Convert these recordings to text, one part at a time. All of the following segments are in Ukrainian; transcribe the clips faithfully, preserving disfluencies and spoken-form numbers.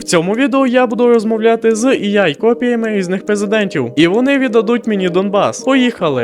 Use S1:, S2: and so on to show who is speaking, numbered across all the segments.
S1: В цьому відео я буду розмовляти з ей ай-копіями різних президентів, і вони віддадуть мені Донбас. Поїхали!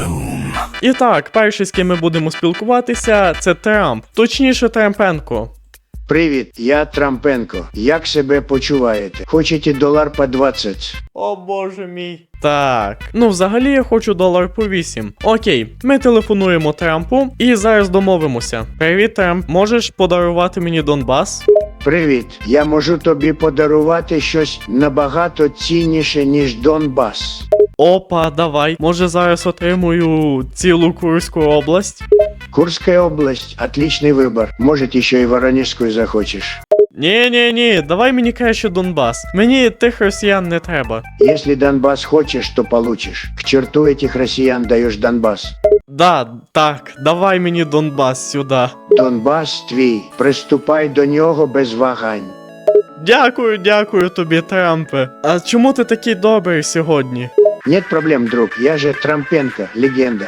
S1: І так, перший, з ким ми будемо спілкуватися, це Трамп, точніше Трампенко.
S2: Привіт, я Трампенко. Як себе почуваєте? Хочете долар по двадцять?
S1: О боже мій. Так, ну взагалі я хочу долар по вісім. Окей, ми телефонуємо Трампу і зараз домовимося. Привіт, Трамп, можеш подарувати мені Донбас?
S2: Привіт, я можу тобі подарувати щось набагато цінніше, ніж Донбас.
S1: Опа, давай. Може зараз отримую цілу Курську область?
S2: Курская область – отличный выбор. Может, еще и Воронежскую захочешь.
S1: Ні-ні-ні, давай мені краще Донбас. Мені тих росіян не треба.
S2: Если Донбасс хочешь, то получишь. К черту этих россиян даешь Донбасс.
S1: Да, так, давай мені Донбас сюди.
S2: Донбасс твій. Приступай до нього без вагань.
S1: Дякую, дякую тобі, Трампе. А чому ти такий добрий сьогодні?
S2: Нет проблем, друг. Я же Трампенко, легенда.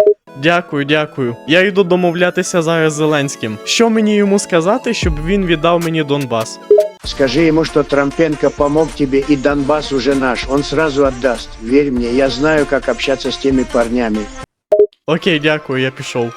S1: Дякую, дякую. Я йду домовлятися зараз з Зеленським. Що мені йому сказати, щоб він віддав мені Донбас?
S2: Скажи ему, что Трампенко помог тебе, и Донбасс уже наш. Он сразу отдаст. Верь мне, я знаю, как общаться с теми парнями.
S1: Окей, дякую, я пішов.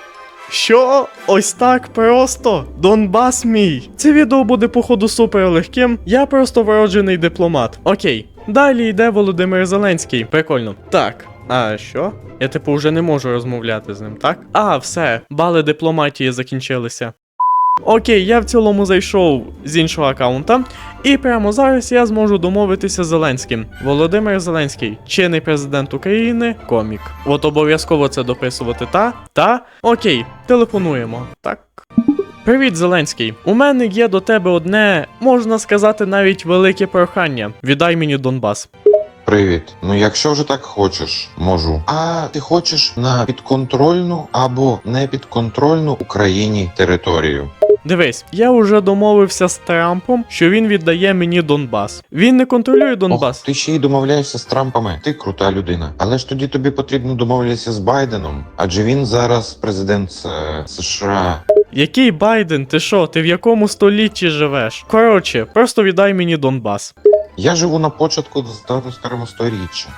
S1: Що? Ось так просто? Донбас мій. Це відео буде походу супер легким. Я просто вроджений дипломат. Окей. Далі йде Володимир Зеленський. Прикольно. Так. А що? Я типу вже не можу розмовляти з ним, так? А, все, бали дипломатії закінчилися. Окей, я в цілому зайшов з іншого аккаунта, і прямо зараз я зможу домовитися з Зеленським. Володимир Зеленський, чинний президент України, комік. От обов'язково це дописувати, та? Та? Окей, телефонуємо. Так. Привіт, Зеленський. У мене є до тебе одне, можна сказати, навіть велике прохання. Віддай мені Донбас.
S3: Привіт. Ну якщо вже так хочеш, можу. А ти хочеш на підконтрольну або непідконтрольну Україні територію?
S1: Дивись, я вже домовився з Трампом, що він віддає мені Донбас. Він не контролює Донбас.
S3: Ох, ти ще й домовляєшся з Трампами. Ти крута людина. Але ж тоді тобі потрібно домовлятися з Байденом, адже він зараз президент е, США.
S1: Який Байден? Ти що? Ти в якому столітті живеш? Коротше, просто віддай мені Донбас.
S3: Я живу на початку старого сторіччя.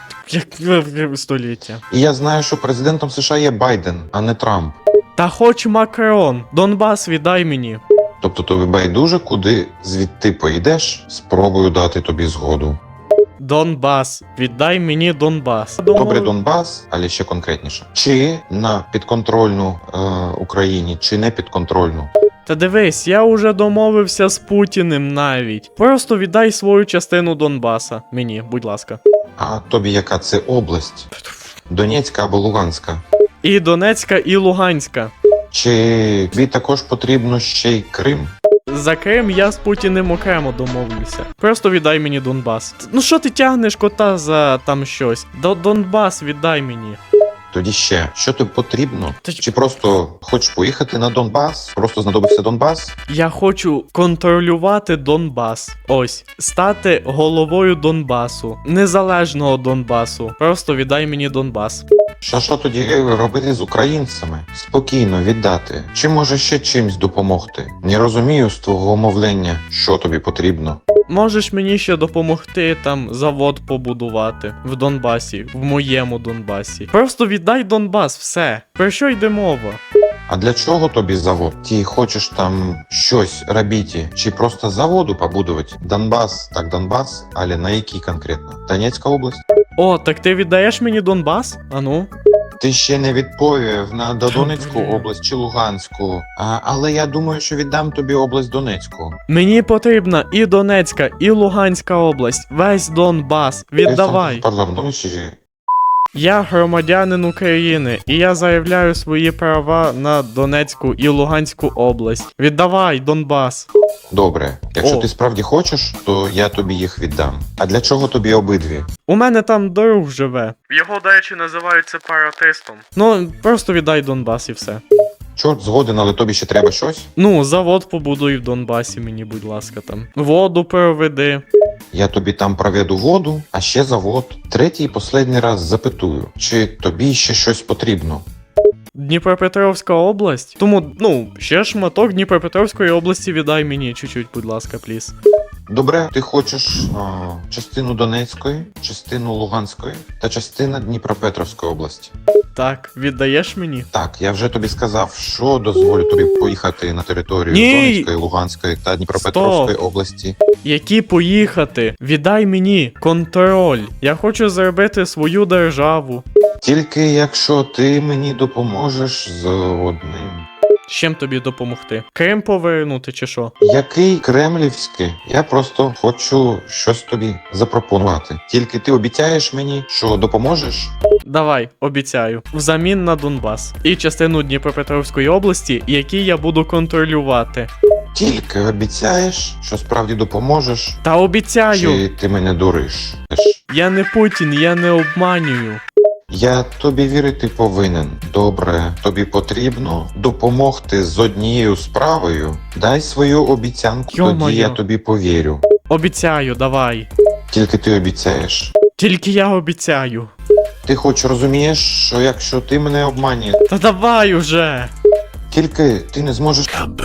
S1: Як століття?
S3: І я знаю, що президентом США є Байден, а не Трамп.
S1: Та хоч Макрон, Донбас віддай мені.
S3: Тобто тобі байдуже, куди звідти поїдеш, спробую дати тобі згоду.
S1: Донбас, віддай мені Донбас.
S3: Добре, Донбас, але ще конкретніше. Чи на підконтрольну е, Україні, чи не підконтрольну?
S1: Та дивись, я уже домовився з Путіним навіть. Просто віддай свою частину Донбаса. Мені, будь ласка.
S3: А тобі яка це область? Донецька або Луганська?
S1: І Донецька, і Луганська.
S3: Чи тобі також потрібно ще й Крим?
S1: За Крим я з Путіним окремо домовлюся. Просто віддай мені Донбас. Ну що ти тягнеш кота за там щось? До Донбас віддай мені.
S3: Тоді ще, що тобі потрібно?
S1: Та-
S3: Чи просто хочеш поїхати на Донбас? Просто знадобився Донбас?
S1: Я хочу контролювати Донбас. Ось, стати головою Донбасу. Незалежного Донбасу. Просто віддай мені Донбас.
S3: Що що тоді робити з українцями? Спокійно віддати. Чи може ще чимсь допомогти? Не розумію з твого мовлення, що тобі потрібно.
S1: Можеш мені ще допомогти там завод побудувати в Донбасі, в моєму Донбасі. Просто віддай Донбас, все. Про що йде мова?
S3: А для чого тобі завод? Ти хочеш там щось робити? Чи просто заводу побудувати? Донбас, так Донбас, але на який конкретно? Донецька область?
S1: О, так ти віддаєш мені Донбас? Ану.
S3: Ти ще не відповів на
S1: Та,
S3: Донецьку
S1: блін.
S3: область чи Луганську. А, але я думаю, що віддам тобі область Донецьку.
S1: Мені потрібна і Донецька, і Луганська область. Весь Донбас. Віддавай.
S3: Парламент.
S1: Я громадянин України, і я заявляю свої права на Донецьку і Луганську область. Віддавай, Донбас.
S3: Добре, якщо
S1: О.
S3: ти справді хочеш, то я тобі їх віддам. А для чого тобі обидві?
S1: У мене там друг живе. Його, до речі, називають сепаратистом. Ну, просто віддай Донбас і все.
S3: Чорт згоден, але тобі ще треба щось?
S1: Ну, завод побудуй в Донбасі мені, будь ласка, там. Воду проведи.
S3: Я тобі там проведу воду, а ще завод. Третій і останній раз запитую, чи тобі ще щось потрібно?
S1: Дніпропетровська область? Тому, ну, ще шматок Дніпропетровської області віддай мені чуть-чуть, будь ласка, пліз.
S3: Добре, ти хочеш а, частину Донецької, частину Луганської та частина Дніпропетровської області.
S1: Так, віддаєш мені?
S3: Так, я вже тобі сказав, що дозволю тобі поїхати на територію
S1: Ні!
S3: Донецької, Луганської та Дніпропетровської області.
S1: Які поїхати? Віддай мені контроль. Я хочу зробити свою державу.
S3: Тільки якщо ти мені допоможеш з одним.
S1: З чим тобі допомогти? Крим повернути чи що?
S3: Який кремлівський? Я просто хочу щось тобі запропонувати. Тільки ти обіцяєш мені, що допоможеш?
S1: Давай, обіцяю. Взамін на Донбас. І частину Дніпропетровської області, які я буду контролювати.
S3: Тільки обіцяєш, що справді допоможеш,
S1: Та обіцяю!
S3: чи ти мене дуриш?
S1: Я не Путін, я не обманюю.
S3: Я тобі вірити повинен. Добре, тобі потрібно допомогти з однією справою. Дай свою обіцянку,
S1: Йо-моє.
S3: тоді я тобі повірю.
S1: Обіцяю, давай.
S3: Тільки ти обіцяєш.
S1: Тільки я обіцяю.
S3: Ти хоч розумієш, що якщо ти мене обманюєш,
S1: Та давай уже!
S3: тільки ти не зможеш.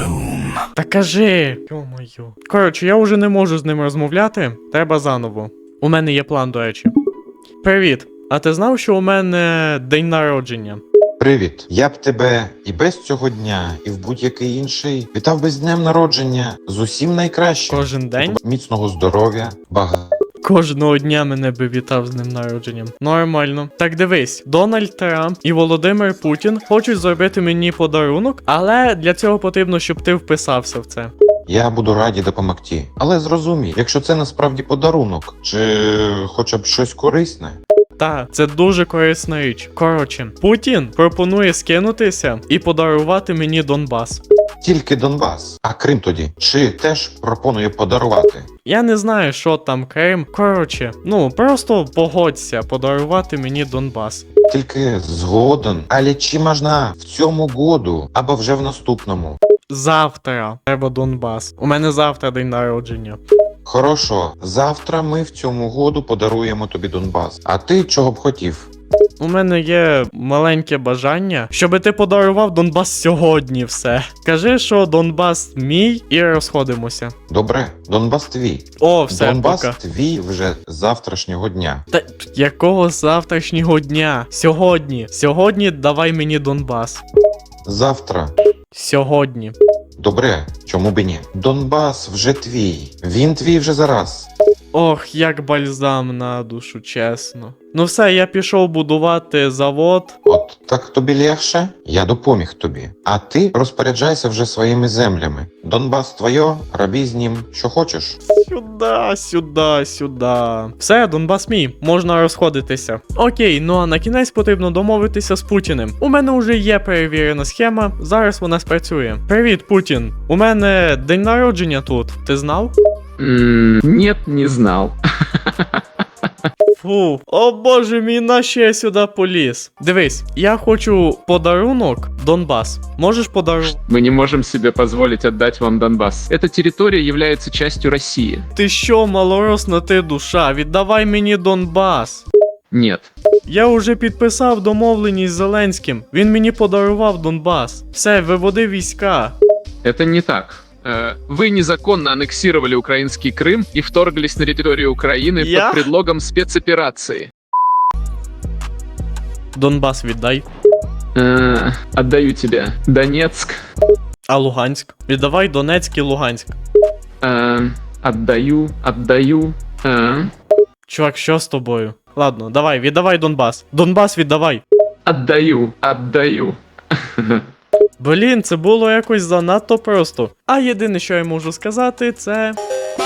S1: Та кажи! Йо-моє. Коротше, я вже не можу з ним розмовляти. Треба заново. У мене є план, до речі. Привіт. А ти знав, що у мене день народження?
S3: Привіт. Я б тебе і без цього дня, і в будь-який інший вітав би з днем народження з усім найкращим.
S1: Кожен день?
S3: Міцного здоров'я, багато.
S1: Кожного дня мене би вітав з ним народженням. Нормально. Так дивись, Дональд Трамп і Володимир Путін хочуть зробити мені подарунок, але для цього потрібно, щоб ти вписався в це.
S3: Я буду раді допомогти. Але зрозумій, якщо це насправді подарунок, чи хоча б щось корисне.
S1: Та, це дуже корисна річ. Коротше, Путін пропонує скинутися і подарувати мені Донбас.
S3: Тільки Донбас, а Крим тоді. Чи теж пропонує подарувати?
S1: Я не знаю, що там Крим. Коротше, ну просто погодься подарувати мені Донбас.
S3: Тільки згоден. Але чи можна в цьому году, або вже в наступному?
S1: Завтра треба Донбас. У мене завтра день народження.
S3: Хорошо, завтра ми в цьому году подаруємо тобі Донбас. А ти чого б хотів?
S1: У мене є маленьке бажання, щоб ти подарував Донбас сьогодні все. Кажи, що Донбас мій, і розходимося.
S3: Добре, Донбас твій.
S1: О, все,
S3: Донбас
S1: пока.
S3: твій вже з завтрашнього дня.
S1: Та якого завтрашнього дня? Сьогодні. Сьогодні давай мені Донбас.
S3: Завтра.
S1: Сьогодні.
S3: Добре, чому б і ні? Донбас вже твій. Він твій вже зараз.
S1: Ох, як бальзам на душу, чесно. Ну все, я пішов будувати завод.
S3: От так тобі легше, я допоміг тобі. А ти розпоряджайся вже своїми землями. Донбас твоє, роби з ним, що хочеш.
S1: Сюда, сюда, сюда. Все, Донбас мій, можна розходитися. Окей, ну а на кінець потрібно домовитися з Путіним. У мене вже є перевірена схема, зараз вона спрацює. Привіт, Путін. У мене день народження тут. Ти знав?
S4: М, Нет, не знал.
S1: Фу, о боже мій, нащо я сюди поліз? Дивись, я хочу подарунок Донбас. Можеш подарувати?
S4: Мы не можем себе позволить отдать вам Донбасс. Эта территория является частью России.
S1: Ти що, малоросна ти душа? Віддавай мені Донбас.
S4: Нет.
S1: Я уже підписав домовленість з Зеленським. Він мені подарував Донбас. Все, виводи війська.
S4: Это не так. Э, Вы незаконно аннексировали украинский Крым и вторглись на территорию Украины
S1: Я?
S4: под предлогом спецоперации.
S1: Донбас віддай.
S4: Э, Отдаю тебе Донецк.
S1: А Луганськ? Віддавай Донецьк і Луганськ.
S4: Э, Отдаю, отдаю. Э,
S1: Чувак, що з тобою? Ладно, давай, віддавай Донбас. Донбас віддавай.
S4: Отдаю, отдаю.
S1: Блін, це було якось занадто просто. А єдине, що я можу сказати, це.